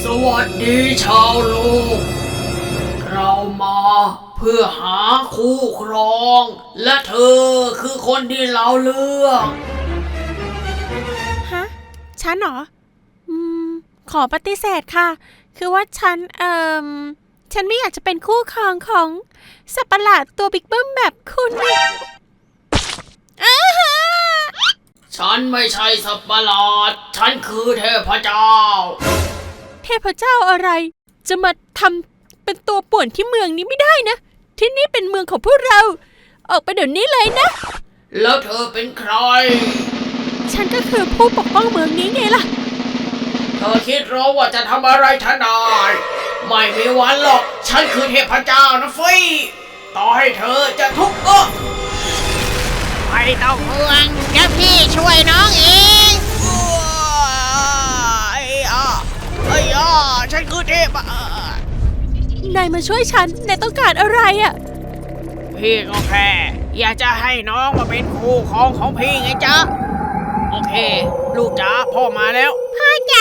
วัสดีชาวโลกเรามาเพื่อหาคู่ครอง และเธอคือคนที่เราเลือกฮะ ฉันเหรอ ขอปฏิเสธค่ะ คือว่าฉันไม่อยากจะเป็นคู่ครองของสัตว์ประหลาดตัวบิ๊กเบิ้มแบบคุณอ้าฮะฉันไม่ใช่สัตว์ประหลาด ฉันคือเทพเจ้าเทพเจ้าอะไร จะมาทำเป็นตัวป่วนที่เมืองนี้ไม่ได้นะ ที่นี่เป็นเมืองของพวกเรา ออกไปเดี๋ยวนี้เลยนะแล้วเธอเป็นใครฉันก็คือผู้ปกป้องเมืองนี้ไงล่ะเธอคิดหรอว่าจะทำอะไรฉันได้ ไม่มีวันหรอก ฉันคือเทพเจ้านะฟยต่อให้เธอจะทุกข์ก็ไม่ต้องห่วงเดี๋ยวพี่ช่วยน้องเองฉันคือเทพนายมาช่วยฉัน นายต้องการอะไรอะพี่ก็แค่อยากจะให้น้องมาเป็นคู่ครองของพี่ไงจ๊ะ โอเค ลูกจ๋าพ่อมาแล้วพ่อจ๋า